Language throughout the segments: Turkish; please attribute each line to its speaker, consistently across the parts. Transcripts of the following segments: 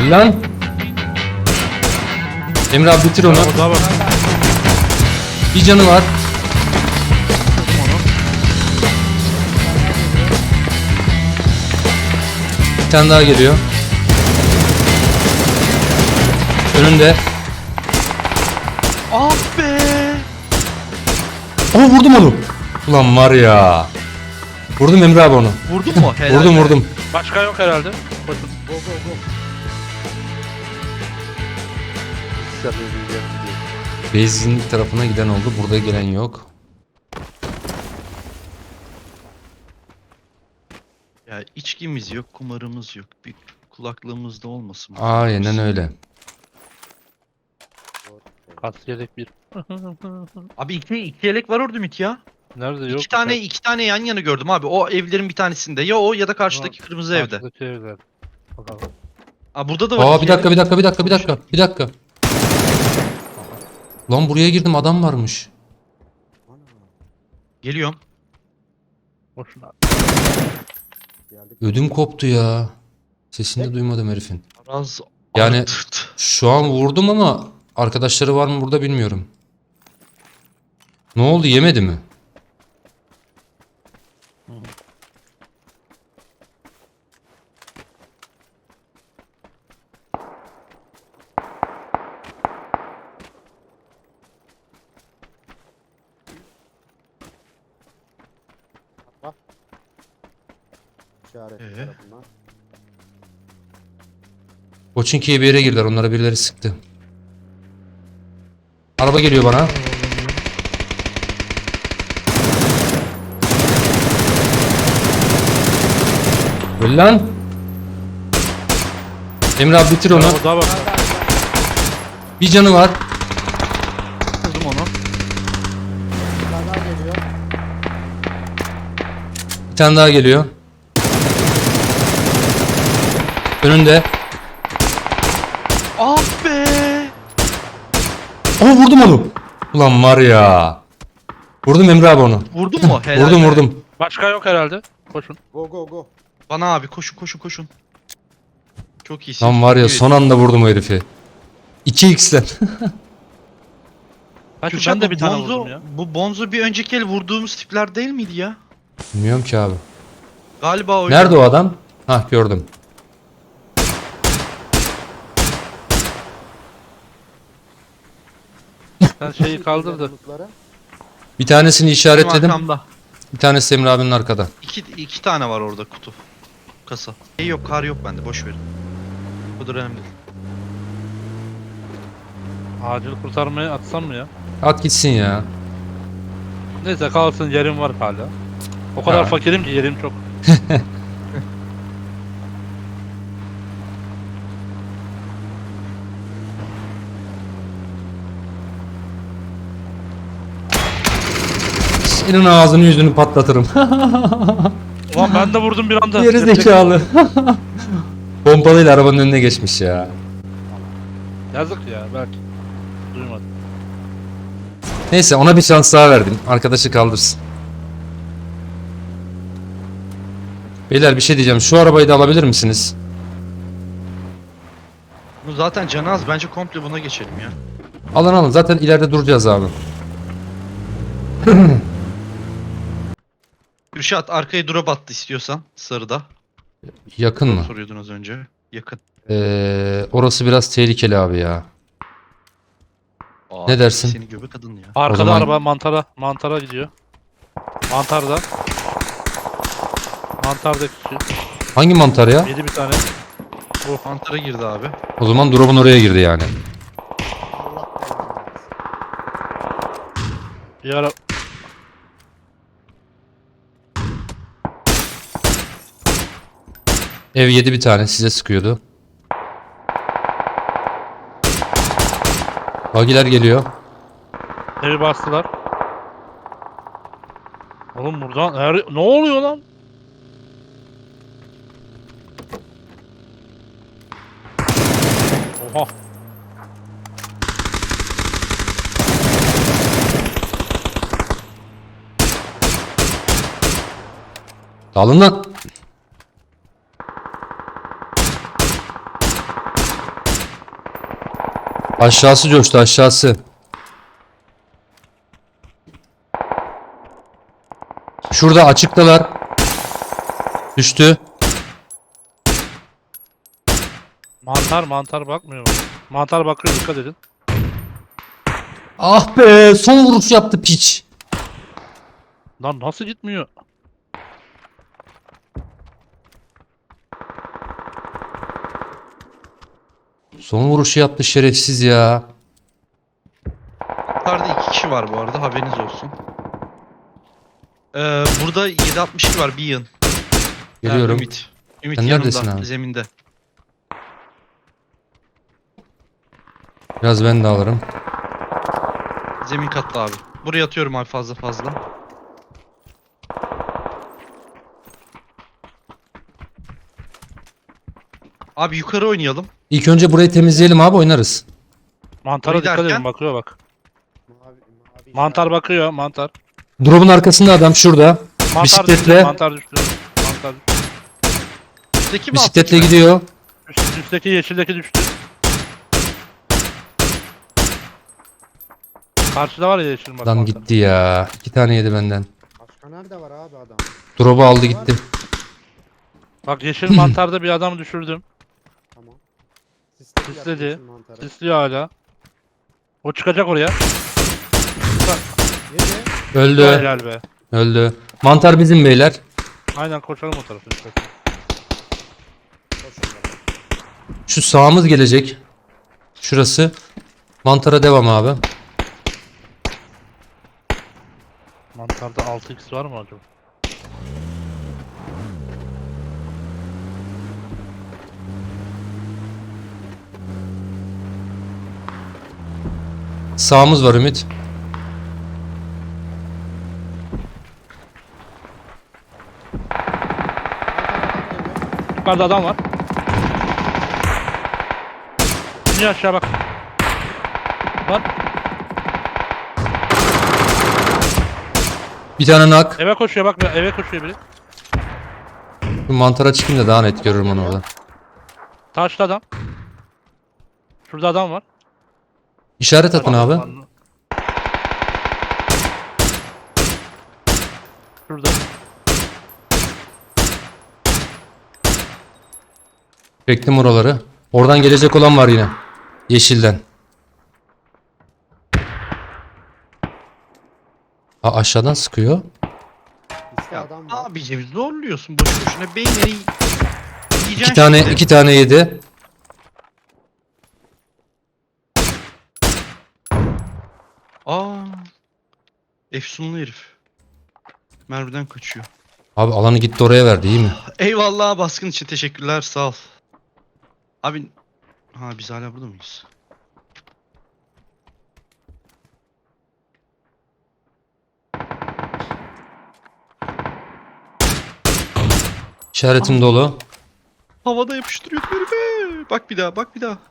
Speaker 1: Öl lan. Emre abi bitir onu.
Speaker 2: Orada bak.
Speaker 1: Bir canı var. Bir tane daha geliyor. Önünde.
Speaker 2: Ah be.
Speaker 1: Aa vurdum onu. Ulan var ya. Vurdum Emre abi onu.
Speaker 2: Vurdun mu? Helal
Speaker 1: Vurdum
Speaker 2: be.
Speaker 1: vurdum.
Speaker 2: Başka yok herhalde. Bakın.
Speaker 3: Go go go.
Speaker 1: Base'in tarafına giden oldu. Burada gelen yok.
Speaker 2: Ya içkimiz yok, kumarımız yok. Bir kulaklığımız da olmasın.
Speaker 1: Aynen öyle.
Speaker 4: Kas yelek bir.
Speaker 2: Abi iki yelek var orada Ümit ya.
Speaker 4: Nerede yok?
Speaker 2: İki tane yan yana gördüm abi. O evlerin bir tanesinde. Ya o ya da karşıdaki kırmızı evde.
Speaker 4: Karşıdaki evler. Bakalım.
Speaker 2: Aa burada da var.
Speaker 1: Aa
Speaker 2: iki
Speaker 1: bir dakika
Speaker 2: yelek.
Speaker 1: bir dakika. Lan buraya girdim adam varmış.
Speaker 2: Geliyorum.
Speaker 4: Boşuna.
Speaker 3: Geldik.
Speaker 1: Ödüm koptu ya. Sesini de duymadım herifin.
Speaker 2: Biraz
Speaker 1: Yani-
Speaker 2: arttırdı.
Speaker 1: Şu an vurdum ama arkadaşları var mı burada bilmiyorum. Ne oldu yemedi mi?
Speaker 3: İşaret
Speaker 2: Ee?
Speaker 3: tarafından.
Speaker 1: Koçinki'ye bir yere girdiler. Onlara birileri sıktı. Araba geliyor bana. Öl lan. Emre abi bitir onu.
Speaker 4: Orada bak.
Speaker 1: Bir canı var.
Speaker 2: Kırdım onu.
Speaker 3: Bir tane daha geliyor.
Speaker 1: Bir tane daha geliyor. Önünde.
Speaker 2: Ah be.
Speaker 1: Aa vurdum onu. Ulan var ya. Vurdum Emre abi onu.
Speaker 2: Vurdun mu? Helal
Speaker 1: Vurdum
Speaker 2: be.
Speaker 1: vurdum.
Speaker 4: Başka yok herhalde. Koşun.
Speaker 3: Go go go.
Speaker 2: Bana abi koşun. Çok iyisin.
Speaker 1: Lan var ya
Speaker 2: Evet.
Speaker 1: son anda vurdum o herifi. 2x'len.
Speaker 4: Hadi
Speaker 2: Kürşat,
Speaker 4: ben de bir
Speaker 2: bu
Speaker 4: tane
Speaker 2: Bonzo-
Speaker 4: vurdum ya.
Speaker 2: Bu Bonzo bir önceki el vurduğumuz tipler değil miydi ya?
Speaker 1: Bilmiyorum ki abi.
Speaker 2: Galiba o.
Speaker 1: Nerede o adam? Hah gördüm.
Speaker 4: Sen şeyi kaldırdı.
Speaker 3: Yanımızları.
Speaker 1: Bir tanesini işaretledim.
Speaker 2: Arkamda.
Speaker 1: Bir tanesi Emre abinin arkada.
Speaker 2: İki tane var orada kutu. Kasa. Yok kar yok bende boş verin. Bu da önemli değil.
Speaker 4: Acil kurtarmaya atsam mı ya?
Speaker 1: At gitsin ya.
Speaker 4: Neyse kalsın, yerim var hala. O kadar
Speaker 1: Ha.
Speaker 4: fakirim ki yerim çok.
Speaker 1: Senin ağzını yüzünü patlatırım.
Speaker 4: Ulan ben de vurdum bir anda.
Speaker 1: Geri
Speaker 4: Yapacak-
Speaker 1: zekalı. Pompalıyla arabanın önüne geçmiş ya.
Speaker 4: Yazık ya belki. Duymadım.
Speaker 1: Neyse ona bir şans daha verdim. Arkadaşı kaldırsın. Beyler bir şey diyeceğim. Şu arabayı da alabilir misiniz?
Speaker 2: Bu zaten canı az bence komple buna geçelim ya.
Speaker 1: Alın alın. Zaten ileride duracağız abi.
Speaker 2: Kürşat arkaya drop attı istiyorsan sarıda.
Speaker 1: Yakın mı?
Speaker 2: Soruyordun az önce. Yakın.
Speaker 1: Orası biraz tehlikeli abi ya.
Speaker 2: Aa,
Speaker 1: Ne dersin?
Speaker 2: Seni göbek kadın ya.
Speaker 4: Arkada
Speaker 1: zaman-
Speaker 4: araba mantara gidiyor. Mantarda. Mantarda kişi.
Speaker 1: Hangi mantar ya?
Speaker 4: Yedi bir tane.
Speaker 2: Mantara girdi abi.
Speaker 1: O zaman drop'un oraya girdi yani.
Speaker 3: Allah belanı versin.
Speaker 4: Bir ara
Speaker 1: Ev yedi bir tane. Size sıkıyordu. Bagiler geliyor.
Speaker 4: evi bastılar. Oğlum buradan ne oluyor lan? Oha.
Speaker 1: Dalın lan. Aşağısı coştu, aşağısı. Şurada açıktalar. Düştü.
Speaker 4: Mantar bakmıyor mu? Mantar bakıyor, dikkat edin.
Speaker 1: Ah be, son vuruş yaptı piç.
Speaker 4: Lan nasıl gitmiyor?
Speaker 1: Son vuruşu yaptı şerefsiz ya.
Speaker 2: Yukarıda 2 kişi var bu arada, haberiniz olsun. Burada 7.62 var bir yığın.
Speaker 1: Geliyorum.
Speaker 2: Ümit. Ümit
Speaker 1: Sen
Speaker 2: yanımda,
Speaker 1: neredesin abi?
Speaker 2: zeminde.
Speaker 1: Biraz ben de alırım.
Speaker 2: Zemin katta abi. Buraya atıyorum abi fazla. Abi yukarı oynayalım.
Speaker 1: İlk önce burayı temizleyelim abi, oynarız.
Speaker 4: Mantara
Speaker 2: Orayı
Speaker 4: dikkat
Speaker 2: derken?
Speaker 4: edin, bakıyor bak.
Speaker 3: Mavi
Speaker 4: Mantar bakıyor, mantar.
Speaker 1: Drop'un arkasında adam şurada.
Speaker 4: Mantar
Speaker 1: Bisikletle.
Speaker 4: düştü, mantar düştü. Mantar düştü.
Speaker 2: Üstteki mi
Speaker 1: Bisikletle
Speaker 2: alttaki mi?
Speaker 1: gidiyor.
Speaker 4: Üstteki yeşildeki düştü. Karşıda var ya yeşil bak.
Speaker 1: Adam
Speaker 4: mantar.
Speaker 1: gitti ya. 2 tane yedi benden.
Speaker 3: Başka nerede var abi adam?
Speaker 1: Drop'u aldı gitti.
Speaker 4: Bak yeşil mantarda bir adam düşürdüm.
Speaker 3: Tamam.
Speaker 4: Sisledi.
Speaker 3: yapıyorsun mantarı.
Speaker 4: Sisliyor hala. O çıkacak oraya.
Speaker 3: Yedi.
Speaker 1: Öldü.
Speaker 4: Helal be.
Speaker 1: Öldü. Mantar bizim beyler.
Speaker 4: Aynen koşalım o tarafa.
Speaker 3: Koşun bana.
Speaker 1: Şu sağımız gelecek. Şurası. Mantara devam abi.
Speaker 4: Mantarda 6x var mı acaba?
Speaker 1: Sağımız var Ümit.
Speaker 4: Yukarıda adam var. İniyor aşağı bak. Lan
Speaker 1: Bir tane nak.
Speaker 4: eve koşuyor bak, eve koşuyor biri.
Speaker 1: Şu mantara çıkayım da daha net görürüm onu orada.
Speaker 4: Taşlı adam. Şurada adam var.
Speaker 1: İşaret atın abi.
Speaker 4: Şurada.
Speaker 1: Çektim oraları. Oradan gelecek olan var yine. Yeşilden. Aşağıdan sıkıyor.
Speaker 3: İşte
Speaker 2: Ya
Speaker 3: adam var.
Speaker 2: abicim zorluyorsun boş boşuna. Beyinleri yiyeceksin
Speaker 1: İki tane
Speaker 2: şimdi.
Speaker 1: 2 tane yedi.
Speaker 2: Aa. Efsunlu herif. Mermiden kaçıyor.
Speaker 1: Abi alanı gitti oraya verdi, iyi mi?
Speaker 2: Eyvallah, baskın için teşekkürler, sağ ol. Abi, ha biz hala burada mıyız?
Speaker 1: İşaretim dolu.
Speaker 2: Havada yapıştırıyordum herife. Bak bir daha, bak bir daha.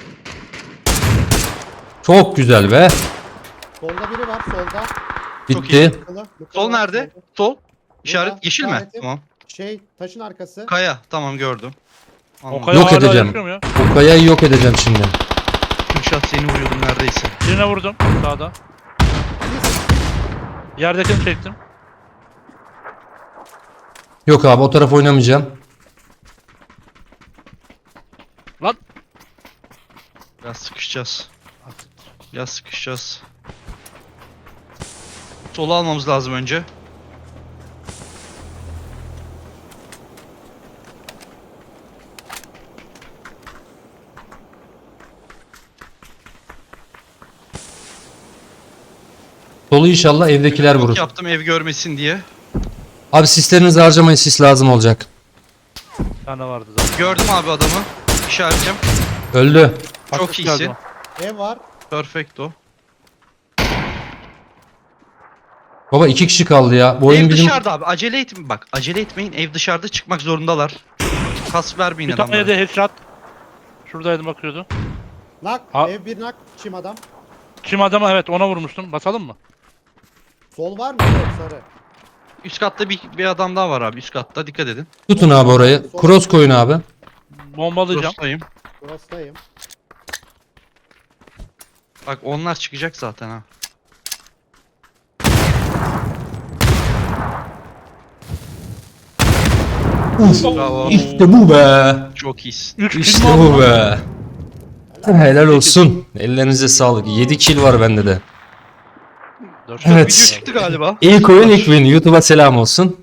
Speaker 1: Çok güzel be.
Speaker 3: Solda biri var solda.
Speaker 2: Çok
Speaker 1: Bitti.
Speaker 2: iyi.
Speaker 3: Mıkılı
Speaker 2: Sol
Speaker 3: var,
Speaker 2: nerede?
Speaker 3: solda.
Speaker 2: Sol. İşaret
Speaker 3: Burada,
Speaker 2: yeşil mi?
Speaker 3: işaretim.
Speaker 2: Tamam.
Speaker 3: Şey taşın arkası.
Speaker 2: Kaya, tamam gördüm. Anladım.
Speaker 4: O kaya
Speaker 1: Yok
Speaker 4: hala
Speaker 1: edeceğim.
Speaker 4: yaşıyor mu ya?
Speaker 1: O kayayı yok edeceğim şimdi.
Speaker 2: Kürşat seni vuruyordum neredeyse.
Speaker 4: Birine vurdum sağda. Yerdekini çektim.
Speaker 1: Yok abi, o taraf oynamayacağım.
Speaker 4: Lan.
Speaker 2: Biraz sıkışacağız. Biraz sıkışacağız. Solu almamız lazım önce.
Speaker 1: Solu inşallah evdekiler
Speaker 2: Yok
Speaker 1: vurur.
Speaker 2: yaptım ev görmesin diye.
Speaker 1: Abi sislerinizi harcamayın, sis lazım olacak.
Speaker 4: Bir tane vardı zaten.
Speaker 2: Gördüm abi adamı. İşaretçim.
Speaker 1: Öldü.
Speaker 2: Çok
Speaker 4: Asist
Speaker 2: iyisin.
Speaker 4: geldi
Speaker 3: Ev var.
Speaker 2: Perfecto.
Speaker 1: Baba 2 kişi kaldı ya. Bu oyun
Speaker 2: Ev
Speaker 1: bizim...
Speaker 2: dışarıda abi. Acele etmeyin. Bak acele etmeyin. Ev dışarıda, çıkmak zorundalar. Kas vermeyin
Speaker 4: Bir tane
Speaker 2: adamlara.
Speaker 4: de headshot. Şuradaydı bakıyordu.
Speaker 3: Nak.
Speaker 4: Ha.
Speaker 3: Ev bir nak. Çim adam.
Speaker 4: Çim adama evet ona vurmuştum. Basalım mı?
Speaker 3: Sol var mı? Yok sarı.
Speaker 2: Üst katta bir adam daha var abi. Üst katta dikkat edin.
Speaker 1: Tutun abi orayı. Cross koyun abi.
Speaker 4: Bombalayacağım.
Speaker 2: Dostayım.
Speaker 3: Burasıdayım.
Speaker 2: Bak onlar çıkacak zaten ha. Bravo.
Speaker 1: İşte bu be.
Speaker 2: Çok iyisin.
Speaker 4: 3
Speaker 1: İşte bu be. Helal olsun. Ellerinize sağlık. 7 kill var bende de.
Speaker 2: Çok
Speaker 1: Evet.
Speaker 2: video çıktı galiba.
Speaker 1: İlk oyun ilk win. YouTube'a selam olsun.